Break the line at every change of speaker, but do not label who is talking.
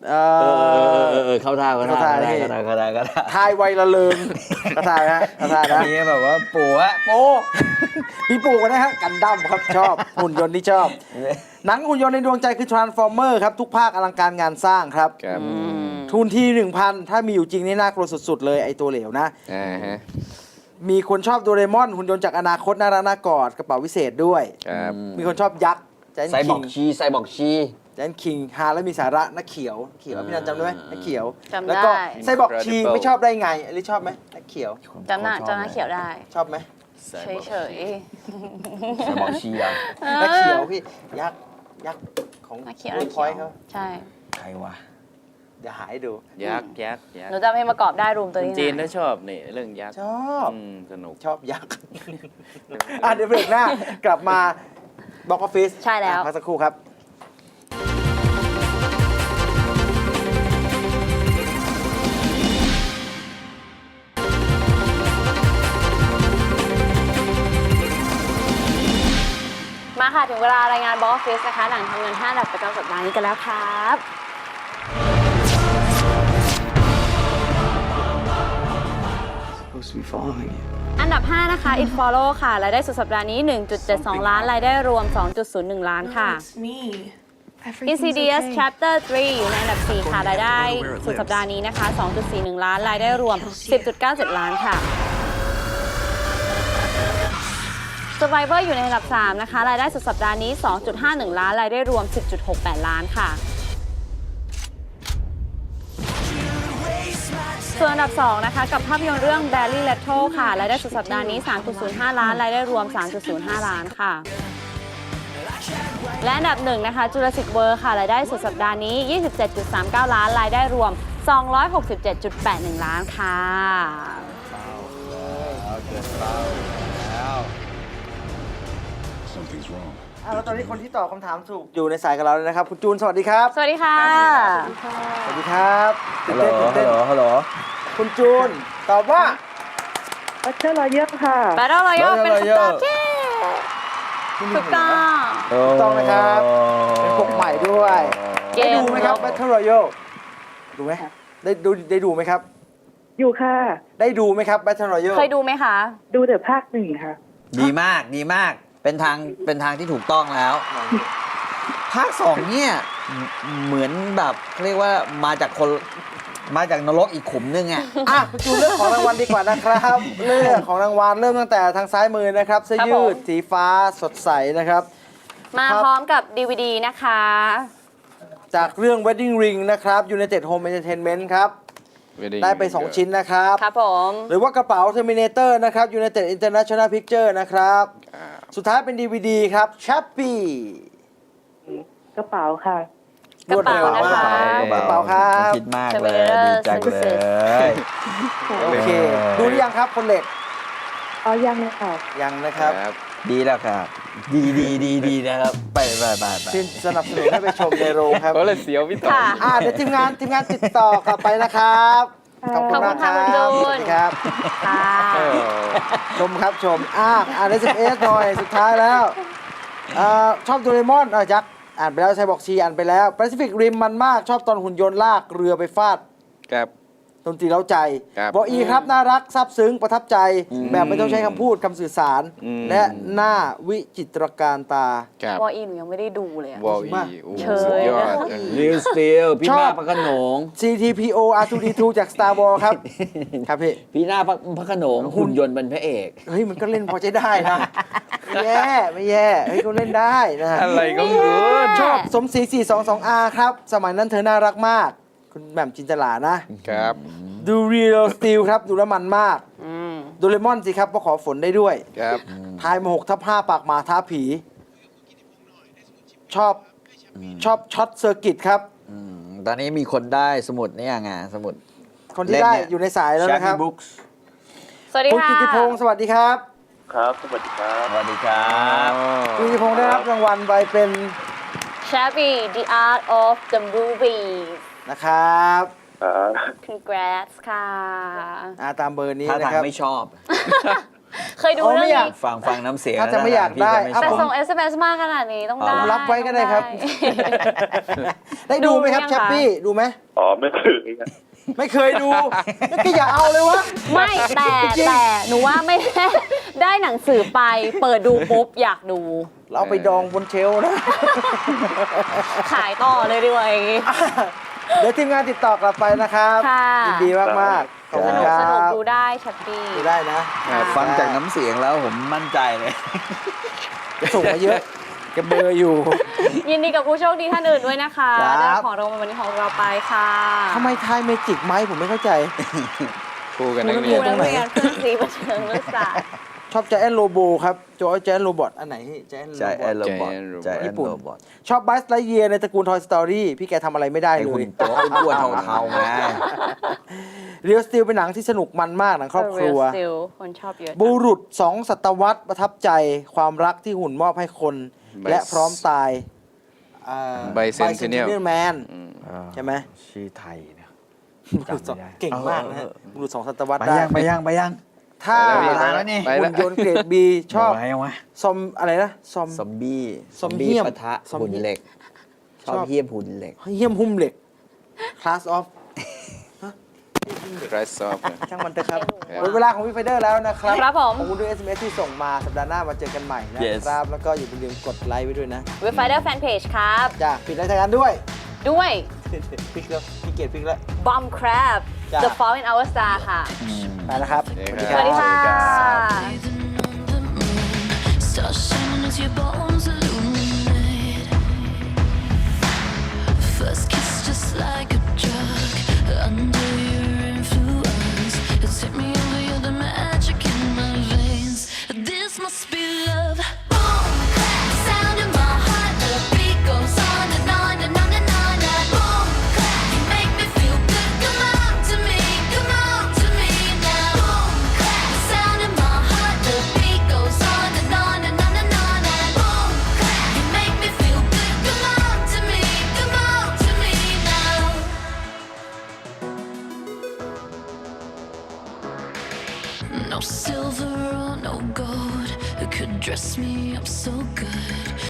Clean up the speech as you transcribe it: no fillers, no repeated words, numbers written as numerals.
เข้าท่า
ทายไวละเลิงกระทายฮะกระทายนะ
นี่แบบว่าปู่ฮะ
พี่ปู่กันนะฮะกันดั้มครับชอบหุ่นยนต์ที่ชอบหนังหุ่นยนต์ในดวงใจคือ Transformer ครับทุกภาคอลังการงานสร้างครับทุนที่ 1,000 ถ้ามีอยู่จริงนี่น่ากลัวสุดๆเลยไอตัวเหลวนะมีคนชอบโดเรมอนหุ่นยนต์จากอนาคตน่ารักน่ากอดกระเป๋าวิเศษด้วยมีคนชอบยักษ์
ไซบอร์กชี
แจนคิงฮาแล้วมีสาระนักเขียวพี่นันจำได้ไหมนักเขียว
จำได้
แล้วก็ไซบอร์กชีไม่ชอบได้ไงอลิชอบไหมนักเขียว
จำหน้าเขียวได้
ชอบไหม
เฉย
ไซบอร์กชีอ่ะ
นักเขียวพี่ยักษ์ของ
นักเขียว
พอยเขา
ใช่
ใครวะ
เดี๋ยวหายดู
ยักษ์
หนูจำให้ประกอบได้รวมตัวนี้
จีนถ้าชอบนี่เรื่องยักษ์
ชอบ
สนุก
ชอบยักษ์เดี๋ยวเบรกหน้ากลับมาบ็อกออฟฟิศ
ใช่แล้ว
พักสักครู่ครับ
มาค่ะถึงเวลารายงานบ็อกออฟฟิศนะคะหนังทำเงิน5 อันดับประจำสัปดาห์นี้กันแล้วครับอันดับ 5 นะคะ It Follow ค่ะรายได้สุดสัปดาห์นี้ 1.72 ล้านรายได้รวม 2.01 ล้านค่ะ Insidious Chapter 3 อยู่ในอันดับ 4 ค่ะรายได้สุดสัปดาห์นี้นะคะ 2.41 ล้านรายได้รวม 10.97 ล้านค่ะ Survivor อยู่ในอันดับ 3 นะคะรายได้สุดสัปดาห์นี้ 2.51 ล้านรายได้รวม 10.68 ล้านค่ะส่วนอันดับ 2 นะคะกับภาพยนตร์เรื่อง Barry Leto ค่ะรายได้สุดสัปดาห์นี้ 3.05 ล้านรายได้รวม 3.05 ล้านค่ะและอันดับ 1 นะคะ Jurassic World ค่ะรายได้สุดสัปดาห์นี้ 27.39 ล้านรายได้รวม 267.81 ล้านค่ะ
แล้วตอนนี้คนที่ตอบคำถามถูกอยู่ในสายกับเราเลยนะครับคุณจูนสวัสดีครับ
สวัสดีค่ะ
สวัสดีครับ
ฮัลโหล
คุณจูนตอบว่า
Battle Royale ค่ะ
Battle Royale เป็นคำตอบที่ถูก
ต้องนะครับเป็นปกใหม่ด้วยได้ดูไหมครับ Battle Royale ดูไหมได้ดูไหมครับ
อยู่ค่ะ
ได้ดูไหมครับ Battle Royale
เคยดูไหมคะ
ดูแต่ภาค 1ค่ะ
ดีมากเป็นทางที่ถูกต้องแล้วภาค 2เนี่ยเหมือนแบบเรียกว่ามาจากนรกอีกขุมนึง
คุณจูนเรื่องของรางวัลดีกว่านะครับเรื่องของรางวัลเริ่มตั้งแต่ทางซ้ายมือนะครับเสื้อยืดสีฟ้าสดใสนะครับ
มาพร้อมกับ DVD นะคะ
จากเรื่อง Wedding Ring นะครับ United Home Entertainment ครับได้ไป2ชิ้นนะครับ
ครับผม
หรือว่ากระเป๋า Terminator นะครับ United International Picture นะครับสุดท้ายเป็น DVD ครับ Chappy
กระเป๋าค่ะ
กระเป๋านะคะ
กระเป๋าครับ
คิดมากเลยดีจังเลย
โอเคดูหรือยังครับคนเหล็ก
ยังเลยค่ะ
ยังนะครับ
ดีแล้วครับดีนะครับไป
สนับสนุนให้ไปชมในโรงครับ
ก็เลยเสียวพี่ต่อ
เดี๋ยวทีมงานติดต่อกลับไปนะครับขอบคุณมากครับ
สวัสดี
ครับชมครับชมใน11หน่อยสุดท้ายแล้วชอบโดเรมอนยักษ์อ่านไปแล้วไซบอร์กชีอ่านไปแล้วแปซิฟิกริมมันมากชอบตอนหุ่นยนต์ลากเรือไปฟาด
ครับ
ดนตรีเร้าใจบออีครับน่ารักซาบซึ้งประทับใจแบบไม่ต้องใช้คำพูดคำสื่อสารและหน้าวิจิตรการตา
บออีหนูยังไม่ได้ดูเลยว
ออี
สุดยอด
นิวสตีลพี่หน้าพระโขนง
CTPO R2D2 จาก Star Wars ครับครับพี่
หน้าพระโขนงหุ่นยนต์เป็นพระเอก
มันก็เล่นพอใช้ได้นะไม่แย่ก็เล่นได้นะ
อะไรก็good
ชอบสมศรี 422R ครับสมัยนั้นเธอน่ารักมากคุณแหม่มจินตลานะครับดูเรียลสตีลครับดูแล้วมันมากโดเรมอนสิครับเพราะขอฝนได้ด้วย
ครับ
ทายมา6/5ปากหมาท้าผีชอบช็อตเซอร์กิตครับ
ตอนนี้มีคนได้สมุดนี่ไงสมุด
คนที่ได้อยู่ในสายแล้วนะครับ
สวัสดีค่ะ
คุณกิติพงศ์สวัสดีครับ
ครับสวัสดีครับ
สวัสดีครับ
คุณกิติพงศ์ได้รับรางวัลไปเป็น
Shabby The Art of the Movie
นะครับ
Congrats ค่ะ
ตามเบอร์นี้
ถ้า
นะครับ
ไม่ชอบ
เคยดู
อ๋อ
เรื่
ไม่
อง
อยาก
นี้
ฟังน้ำเสียง
ถ้าจะไม่อยากได้
พี่
อ่ะ
แต่
ม่ชอบ
ส่ง SMS มาขนาดนี้ต้องได้
ผม
รับไว้ก็ได้ครับ ได้ดูไหมครับ
ดูยัง
แชปปี้ ดูไหม
อ๋อไม่เคยครับ
ไม่เคยดูก็อย่าเอาเลยวะ
ไม่แต่หนูว่าไม่ได้ได้หนังสือไป เปิดดูปุ๊บอยากดู
เราเอาไปดองบนเชลฟ์นะ
ขายต่อเลยดีกว่าอย่างงี้
เดี๋ยวทีมงานติดต่อกลับไปนะครับ
ค่ะ
ยินดีมากๆขอบ
ส
คุณ
นุก
ครั
สนุก
บ
ดูได้ชัปปี้
ดูได้นะ
ฟังจากน้ำเสียงแล้วผมมั่นใจเลย
ส่งมาเยอะแกเบอร์อยู่
ยินดีกับผู้โชคดีท่านอื่นด้วยนะคะ
ครับ
ได้ของรางวัลวันนี้ของเราไปค่ะ
ทำไมทายเมจิกไหมผมไม่เข้าใจ
ครูกับนัก
ค
เรี
รู
ยน
นักเรียนเพื่อนซีบันเทิงนักศึกษา
ชอบใจแอนโรโบครับจอยใจแอนโรบอทอันไหนใจแอน
ใจแอนโรบอท
Giant
ใจแอน
ญี่ปุ่น
โรบอท
ชอบบัสไลเยียในตระกูล Toy Story พี่แกทำอะไรไม่ได้
ไอ้
เล
หุ่
ย
นตัวอ้วนๆเทาๆไง
เรียลสติลเป็นหนังที่สนุกมันมากหนังครอบครัว
The Real Steel คนชอบเยอะจัง
บุรุษ2 ศตวรรษประทับใจความรักที่หุ่นมอบให้คน
Bicentennial
และพร้อมตาย
Bicentennial
Man
อืม
ใช่ไหม
ชื่อไทยเนี่ย
บุรุษสอง
จำไม่ได้
เก่งมากนะฮะบุรุษ2 ศตวรรษ
ไป
ได้
ยังไปยังไปยัง
ถ้า
ไปแล้ว
แล้วนี่
ไปแล้ว
หุ่นยนต์เกรด B ชอบ
ไปยังวะ
ซอมอะไรนะซอม
ซอมบี้
ซอมเหี้ยม
ปะทะ
ซอม
หุ่น
เหี้ยม
เหล็ก ชอบ
ชอบ
เหี้ยมหุ่นเหล็ก
เยี่ยมหุ้มเหล็ก Class of
ไรซอฟ
ช่างมันเถอะครับ
ครับ
หมดเวลาของพี่ไฟเดอร์แล้วนะครับ
ครับผม
ขอบคุณด้วย SMS ที่ส่งมาสัปดาห์หน้ามาเจอกันใหม่นะ
Yes
ครับ แล้วก็อย่าลืมกดไลค์ไว้ด้วยนะ
เว็บไซต์แฟนเพจครับ
จ้าปิดรายการด้วย
ด้วย
พิกแล้วพี่เกียรติพิกแล้ว
Bomb Crab
จ้ะ
The Fall in Our Star ค่ะ
ไปแล้วครับ
สวัสดีค่ะ
Start shining as your bones illuminate. First kiss just like a drug. Under your influence, it's hit me over. You're the magic in my veins. This must be love. Boom, clap, sound in my heart. The beat goes on and on and on and on. And boom, clap, you make me feel good. Come on to me now. Boom, clap, sound in my heart. The beat goes on and on and on and on. And boom, clap, you make me feel good. Come on to me now. No silver or no gold could dress me up so good.